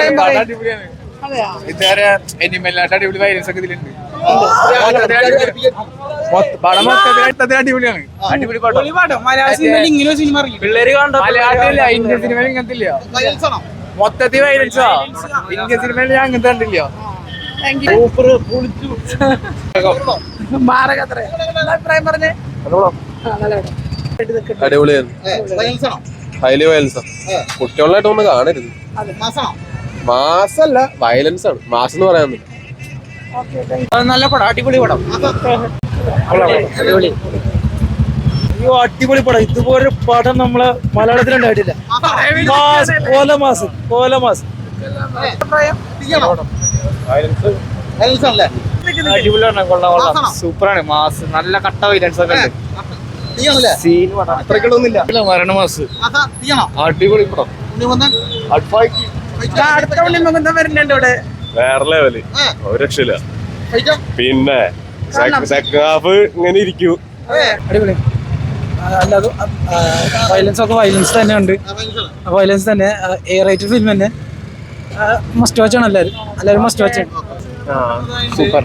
ഇതുവരെ എനിമല്ലാത്ത അടിപൊളി വൈലൻസ് ഒക്കെ ഇതിലുണ്ട്. അടിപൊളിയാണ്, അടിപൊളി പാട്ടം. മലയാളത്തിലില്ല, ഇന്ത്യൻ സിനിമയിൽ ഇങ്ങനത്തെ ഇല്ല. മൊത്തത്തിൽ വൈലൻസാ. ഇന്ത്യൻ സിനിമയിൽ ഞാൻ അങ്ങനത്തെ കണ്ടില്ല. അടിപൊളിയായിരുന്നു, ഹൈലി വയലൻസാ. കുട്ടികളായിട്ട് ഒന്ന് കാണരുത്. മാസല്ല, വയലൻസ് ആണ്. മാസം എന്ന് പറയാൻ നല്ല പടം, അടിപൊളി പടം, അടിപൊളി പടം. ഇതുപോലൊരു പടം നമ്മള് മലയാളത്തിലുണ്ടായിട്ടില്ല. അടിപൊളിയാണ്, കൊള്ളാം കൊള്ളാം, സൂപ്പറാണ്. മാസ് നല്ല കട്ട വൈലൻസ് ഒക്കെ ഉണ്ട്. മരണമാസ് അടിപൊളി പടം. വേറെ ലെവല്, ഒരു രക്ഷയില്ല. പിന്നെ സെക്കൻഡ് ഹാഫ് ഇങ്ങനെ ഇരിക്കൂ. അടിപൊളി. അല്ലാതെ വയലൻസ് ഒക്കെ വയലൻസ് തന്നെ ഉണ്ട്. വയലൻസ് തന്നെ എ റേറ്റഡ് ഫിലിം തന്നെ. മസ്റ്റ് വാച്ച് ആണ് എല്ലാവരും മസ്റ്റ് വാച്ച് ആണ്. സൂപ്പർ.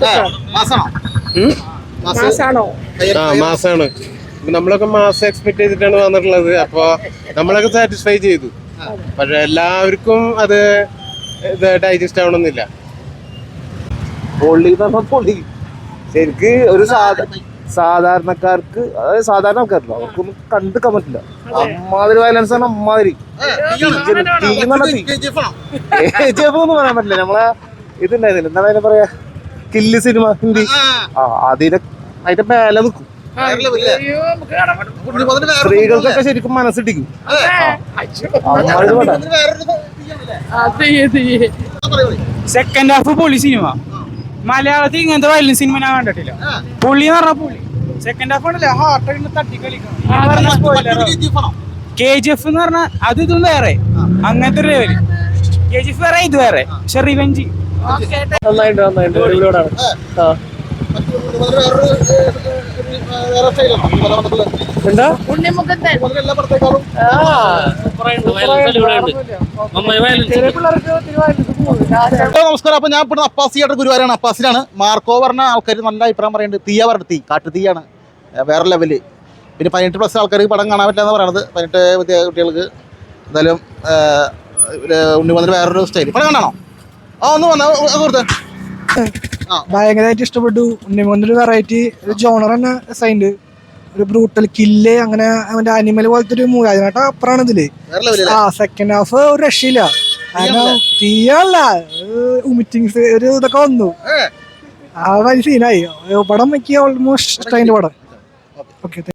മാസാണ്. നമ്മളൊക്കെ മാസം എക്സ്പെക്ട് ചെയ്തിട്ടാണ് വന്നിട്ടുള്ളത്. അപ്പൊ നമ്മളൊക്കെ സാറ്റിസ്ഫൈ ചെയ്തു. പക്ഷെ എല്ലാവർക്കും അത് ഡൈജസ്റ്റ് ആവണമെന്നില്ല. പൊള്ളി പൊള്ളി ശരിക്ക് ഒരു സാധാരണക്കാർക്ക്, അതായത് സാധാരണ ആൾക്കാരല്ലോ, അവർക്കൊന്നും കണ്ടുക്കാൻ പറ്റില്ല. അമ്മാതിരി വയലൻസ് ആണ്, അമ്മാതിരി എന്ന് പറയാൻ പറ്റില്ല. നമ്മളെ ഇതുണ്ടായിരുന്നില്ല, എന്താണ് അതിനെ പറയാ, കില്ല് സിനിമ ഹിന്ദി, അതിന്റെ മേലെ നിൽക്കും. സ്ത്രീകൾക്കൊക്കെ ശരിക്കും മനസ്സിട്ടിക്കും. സെക്കൻഡ് ഹാഫ് പൊളി സിനിമ. മലയാളത്തിൽ ഇങ്ങനത്തെ വയലൻസ് സിനിമ ഞാൻ കണ്ടിട്ടില്ല. പുള്ളി എന്ന് പറഞ്ഞ പുള്ളി. സെക്കൻഡ് ഹാഫ് ആണല്ലേ ഹാർട്ടൊക്കെ തട്ടിക്കളിക്കണം. KGF എന്ന് പറഞ്ഞാൽ അത് ഇതും വേറെ, അങ്ങനത്തെ ഒരു ലെവല്. KGF വേറെ, ഇത് വേറെ. പക്ഷെ റിവെഞ്ച് നന്നായിട്ട് നമസ്കാരം. അപ്പൊ ഞാൻ ഇപ്പൊ അപ്പാസിയായിട്ട് ഗുരുവാരാണ്. അപ്പാസിലാണ്. മാർക്കോ പറഞ്ഞ ആൾക്കാർ നല്ല അഭിപ്രായം പറയുന്നുണ്ട്. തീയ പറഞ്ഞിട്ട് കാട്ടു തീയാണ്, വേറെ ലെവല്. പിന്നെ 18+ ആൾക്കാർക്ക് പടം കാണാൻ പറ്റില്ല എന്ന് പറയുന്നത്. 18 കുട്ടികൾക്ക് എന്തായാലും ഉണ്ണിമന്തിന് വേറൊരു സ്റ്റൈൽ. പടം കാണാണോ? ഒന്ന് വന്നാ കൊടുത്തേ. ഭയങ്കരമായിട്ട് ഇഷ്ടപ്പെട്ടു. ഉണ്ണിമന്തിന് വെറൈറ്റി ഒരു ജോണർ തന്നെ സൈൻഡ്, ഒരു ബ്രൂട്ടൽ കില്ല്, അങ്ങനെ അവന്റെ അനിമൽ പോലത്തെ ഒരു മൂവി. അതിനായിട്ട് അപ്പുറമാണ് ഇതില്. സെക്കൻഡ് ഹാഫ് ഒരു രക്ഷയില്ല. കാരണം തീയല്ല, ഉമിറ്റിങ്സ് ഒരു ഇതൊക്കെ വന്നു. ആ വലിയ സീനായി. പടം എനിക്ക് ഓൾമോസ്റ്റ് ഇഷ്ടമായി പടം. ഓക്കെ.